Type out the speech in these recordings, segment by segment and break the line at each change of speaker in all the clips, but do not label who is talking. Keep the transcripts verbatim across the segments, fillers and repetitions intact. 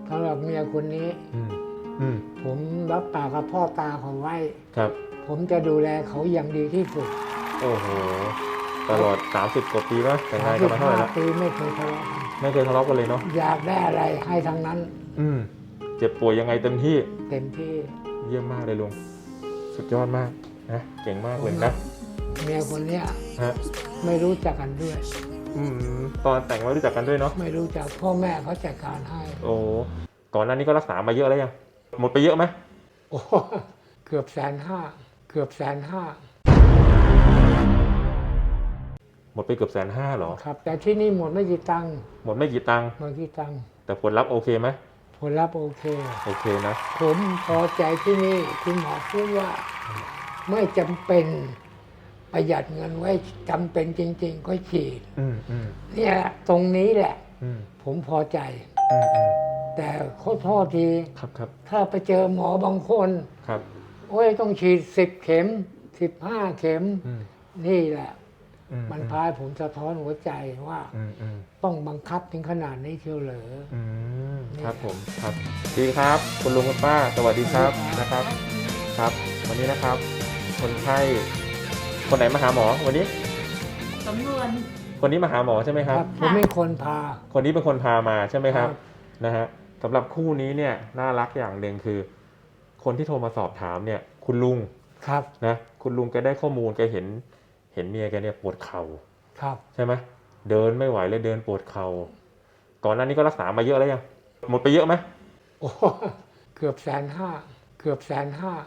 สำหรับเมียคนนี้
อืมอืม
ผมรับปากกับพ่อตาเขาไว้
ครับ
ผมจะดูแลเขาอย่างดีที่สุด
โอ้โหตลอดสามสิบกว่าปีแล้วแต่งงานกั
สิ
น
บ
มาเท่าไห
ห้า
ร่แล้ว
ปีไม่เคยทะเลาะกัน
ไม่เคยทะเลาะกันเลยเนาะ
อยากได้อะไรให้ทั้งนั้น
อืมเจ็บป่วยยังไงเต็มที่
เต็มที่
เยี่ยมมากเลยลุงสุดยอดมากนะเก่งมากเลยนะ
เมียคนเนี้ย
ฮะ
ไม่รู้จักกันด้วย
อืมตอนแต่งไม่รู้จักกันด้วยเนาะ
ไม่รู้จักพ่อแม่เขาจัดการให้
โอ้ก่อนหน้านี้ก็รักษามาเยอะแล้วยังหมดไปเยอะไหม
โอ้เกือบแสนห้าเกือบแสนห้า
หมดไปเกือบแสนห้าหรอ
ครับ แต่ที่นี่หมดไม่กี่ตังค์
หมดไม่กี่ตังค์
หมดกี่ตังค์
แต่ผลลัพธ์โอเคไหม
ผลลัพธ์โอเค
โอเคนะ
ผมพอใจที่นี่คุณหมอพูดว่าไม่จำเป็นประหยัดเงินไว้จำเป็นจริง ๆ ก็ฉีด
อืมอืม
เนี่ยตรงนี้แหละ
อืม
ผมพอใจ
อืมอืม
แต่ขอโทษที
ครับครับ
ถ้าไปเจอหมอบางคน
ครับ
โอ้ยต้องฉีดสิบเข็มสิบห้าเข็ม
อืม
นี่แหละ
อื
มันพายผมสะท้อนหัวใจว่า
อืมอืม
ต้องบังคับถึงขนาดนี้เชียวเหรอ
อืมครับผมครับดีครับคุณลุงคุณป้าสวัสดีครับนะครับ ครับ วันนี้นะครับ คนไข้คนไหนมาหาหมอวันนี้
สำนวน
คนนี้มาหาหมอใช่ไหมครับ
ผมเป็นคนพา
คนนี้เป็นคนพามาใช่ไหมครับ
ครับ
นะฮะสำหรับคู่นี้เนี่ยน่ารักอย่างหนึ่งคือ คนที่โทรมาสอบถามเนี่ยคุณลุง
ครับ
นะคุณลุงแกได้ข้อมูลแกเห็นเห็นเมียแกเนี่ยปวดเข่า
ครับ
ใช่ไหมเดินไม่ไหวเลยเดินปวดเข่าก่อนหน้านี้ก็รักษามาเยอะแล้วยังหมดไปเยอะไหม
โอ้เกือบแสนห้าเกือบแสนห้า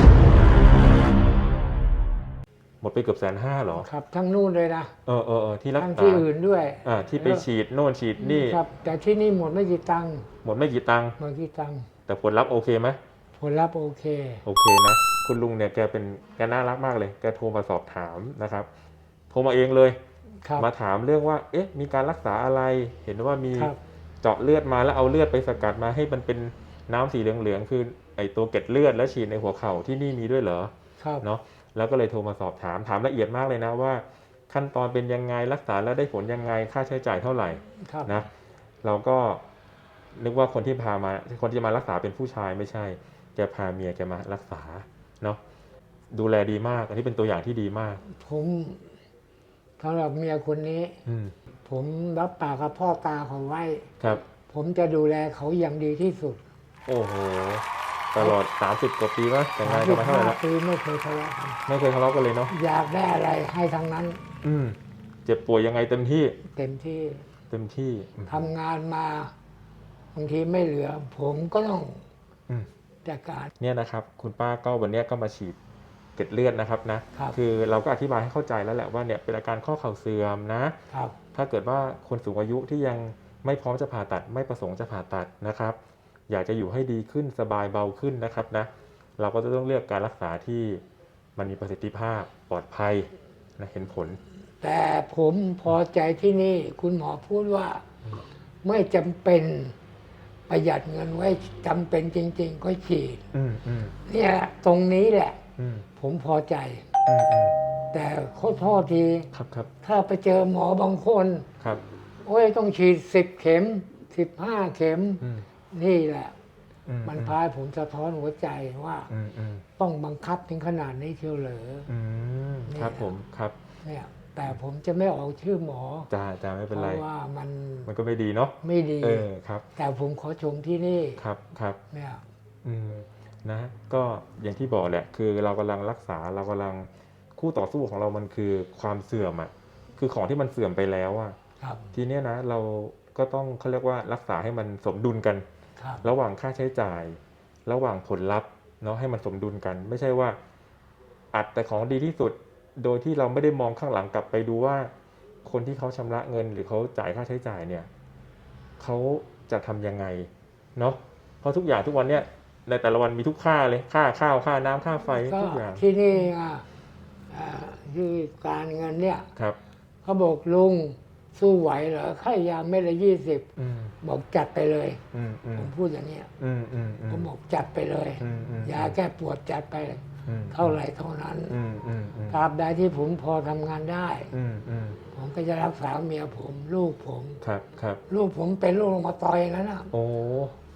หมดไปเกือบแสนห้าหรอ
ครับ ทั้งนู่นเลยนะ
เออเออเออที่รัก
ทั้ง
ษา
ที่อื่นด้วย
อ่าที่ไปฉีดโน่นฉีดนี่
ครับ แต่ที่นี่หมดไม่กี่ตังค์
หมดไม่กี่ตังค์
หมดกี่ตังค์
แต่ผลลัพธ์โอเคไหม
ผลลัพธ์โอเค
โอเคนะคุณลุงเนี่ยแกเป็นแกน่ารักมากเลยแกโทรมาสอบถามนะครับโทรมาเองเลย
ครับ
มาถามเรื่องว่า เอ๊ะ มีการรักษาอะไร เห็นว่ามี
ครับ
เจาะเลือดมาแล้วเอาเลือดไปสกัดมาให้มันเป็นน้ำสีเหลืองๆ คือไอตัวเกล็ดเลือดแล้วฉีดในหัวเข่าที่นี่มีด้วยเหรอ
ครับ
เนาะ แล้วก็เลยโทรมาสอบถาม ถามละเอียดมากเลยนะว่า ขั้นตอนเป็นยังไง รักษาแล้วได้ผลยังไง ค่าใช้จ่ายเท่าไหร่
ครับ
นะ เราก็นึกว่าคนที่พามา คนที่มารักษาเป็นผู้ชายไม่ใช่ แกพาเมียแกมารักษา เนาะ ดูแลดีมาก อันนี้เป็นตัวอย่างที่ดีมาก
ผมสำหรับเมียคนนี้
อืม
ผมรับปากกับพ่อตาเขาไว้
ครับ
ผมจะดูแลเขาอย่างดีที่สุด
โอ้โห ตลอดสามสิบกว่าปีแล้วแต่งงานกันมาเท่าไหร่แล้ว
ปีไม่เคยทะเลาะกัน
ไม่เคยทะเลาะกันเลยเนาะ
อยากได้อะไรให้ทั้งนั้น
อืมเจ็บป่วยยังไงเต็มที่
เต็มที่
เต็มที่อืม
ทำงานมาบางทีไม่เหลือ ผมก็ต้อง
อืม
จัดการ
เนี่ยนะครับ คุณป้าก็วันเนี้ยก็มาฉีดเกล็ดเลือดนะครับนะครับ อเราก็อธิบายให้เข้าใจแล้วแหละว่าเนี่ยเป็นอาการข้อเข่าเสื่อมนะ
ครับ
ถ้าเกิดว่าคนสูงอายุที่ยังไม่พร้อมจะผ่าตัด ไม่ประสงค์จะผ่าตัดนะครับ อยากจะอยู่ให้ดีขึ้นสบายเบาขึ้นนะครับนะ เราก็จะต้องเลือกการรักษาที่มันมีประสิทธิภาพปลอดภัยนะเห็นผล
แต่ผมพอใจที่นี่คุณหมอพูดว่าไม่จำเป็นประหยัดเงินไว้จำเป็นจริง ๆ ก็ฉีด
อืมอืม
เนี่ยตรงนี้แหละ
อืม
ผมพอใจ
อืมอืม
แต่ขอโทษที
ครับครับ
ถ้าไปเจอหมอบางคน
ครับ
โอ้ยต้องฉีดสิบเข็มสิบห้าเข็ม
อืม
นี่แหละ
อื
มันพายผมสะท้อนหัวใจว่า
อืมอืม
ต้องบังคับถึงขนาดนี้เชียวเหรอ
อืมครับผมครับ
เนี่ยแต่ผมจะไม่ออกชื่อหมอ
จ้าจ้าไม่
เพ
เป็นไร
ราะว่ามัน
มันก็ไม่ดีเนาะ
ไม่ดี
เออครับ
แต่ผมขอชมที่นี่
ครับครับ
เนี่ย
อืมนะก็อย่างที่บอกแหละ คือเรากำลังรักษาเรากำลังคู่ต่อสู้ของเรามันคือความเสื่อมอ่ะคือของที่มันเสื่อมไปแล้วอ่ะ
ครับ
ทีเนี้ยนะเราก็ต้องเขาเรียกว่ารักษาให้มันสมดุลกัน
ครับ
ระหว่างค่าใช้จ่าย ระหว่างผลลัพธ์เนาะให้มันสมดุลกัน ไม่ใช่ว่าอัดแต่ของดีที่สุด โดยที่เราไม่ได้มองข้างหลังกลับไปดูว่า คนที่เขาชำระเงินหรือเขาจ่ายค่าใช้จ่ายเนี่ยเขาจะทำยังไงเนาะเพราะทุกอย่างทุกวันเนี่ยในแต่ละวันมีทุกค่าเลยค่าข้าวค่าน้ำค่าไฟ
ก็
ทุกอย่าง
ที่นี่อ่ะอ่าที่การเงินเนี่ย
ครับ
เขาบอกลุงสู้ไหวเหรอค่ายาเม็ดละยี่สิบ
อืม
บอกจัดไปเลย
อืมอื
ผม มพูดอย่างเนี้ย
อืมอืมอื
ผม มบอกจัดไปเลย
อืมอืม
ยาแก้ปวดจัดไป
อืม
เท่าไหร่เท่านั้น
อืมอืมอืม
ตราบใดที่ผมพอทำงานได้
อืมอืม
ผมก็จะรักษาเมียผม ลูกผม
ครับครับ
ลูกผมเป็นโรคมาตอยแล้วนะ
โอ้
ผ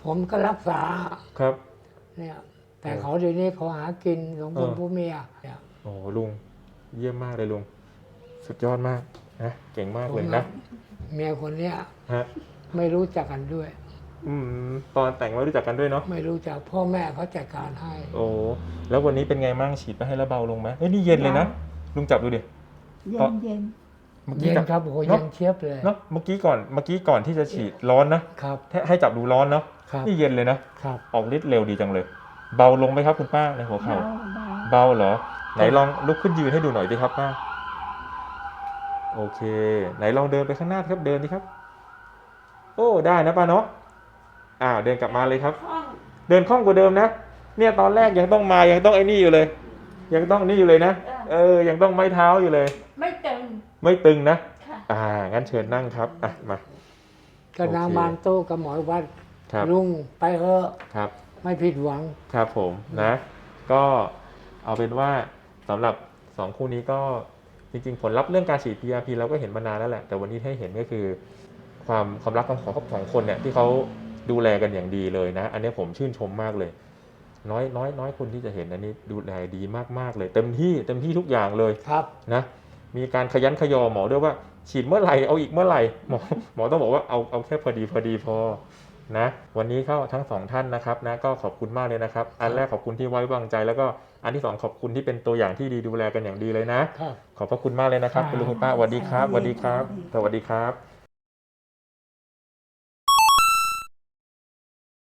ผมก็รักษา
ครับ
เนี่ย แต่
เออ
เขาเดี๋ยวนี้เขาหากินสองคน
เออ
ผู้เมียเนี่ย
โอ้ลุงเยี่ยมมากเลยลุงสุดยอดมากนะเก่งมาก
ผม
เลย
กั
นะ
บเมียคนเนี้ย
ฮะ
ไม่รู้จักกันด้วย
อืมตอนแต่งไม่รู้จักกันด้วยเนาะ
ไม่รู้จักพ่อแม่เขาจัดการให้
โอ้แล้ววันนี้เป็นไงมั่งฉีดไปให้แล้วเบาลงไหมเอ้ยนี่เย็นเลยนะลุงจับดูดิ
เย็นเย็น
เมื่อ
เย็
กี้
น
จับ
ครับโอ้โห
เน
เย็
อะ
นเชียบเลย
เนาะเมื่อกี้ก่อนเมื่อกี้ก่อนที่จะฉีดร้อนนะครับ ให้ให้จับดูร้อนเนาะ
ครับ
นี่เย็นเลยนะครับ ออกฤทธิ์เร็วดีจังเลย เบาลงไหมครับคุณป้าในหัว
เบา
เข่า
เบา
เบาเหรอ ไหนลองลุกขึ้นยืนให้ดูหน่อยดิครับป้าโอเค ไหนลองเดินไปข้างหน้าครับเดินดิครับ โอ้ได้นะป้าเนาะอ้าวเดินกลับมาเลยครับ
คล่อง
เดินคล่องกว่าเดิมนะ เนี่ยตอนแรกยังต้องมายังต้องไอ้นี่อยู่เลย ยังต้องนี่อยู่เลยนะ เออ ยังต้องไม้เท้าอยู่เลย
ไม่ตึง
ไม่ตึงนะ
ค่ะ
อ่า งั้นเชิญนั่งครับอ่ะมา
ก็นาง
โอเค
มานโต้กับหมอวัด
ครับ
ลุงไปเถอะ
ครับ
ไม่ผิดหวัง
ครับผมนะ ก็เอาเป็นว่าสำหรับสองคู่นี้ก็จริงๆ ผลลัพธ์เรื่องการฉีด พี อาร์ พี เราก็เห็นมานานแล้วแหละ แต่วันนี้ให้เห็นก็คือ ความความรักของของของคนเนี่ยที่เขาดูแลกันอย่างดีเลยนะ อันนี้ผมชื่นชมมากเลย น้อยน้อยน้อยคนที่จะเห็นอันนี้ดูแลดีมากๆเลย เต็มที่เต็มที่ทุกอย่างเลย
ครับ
นะมีการขยันขยอหมอด้วยว่าฉีดเมื่อไหร่เอาอีกเมื่อไหร่หมอหมอต้องบอกว่าเอาเอาแค่พอดีพอดีพอนะวันนี้เข้าทั้งสองท่านนะครับนะก็ขอบคุณมากเลยนะครับ อันแรกขอบคุณที่ไว้วางใจ แล้วก็อันที่สองขอบคุณที่เป็นตัวอย่างที่ดีดูแลกันอย่างดีเลยนะ
ครับ
ขอบพระคุณมากเลยนะครับ
ครับ
คุณลุงคุณป้าสวัสดีครับสวัสดีครับสวัสดีครับ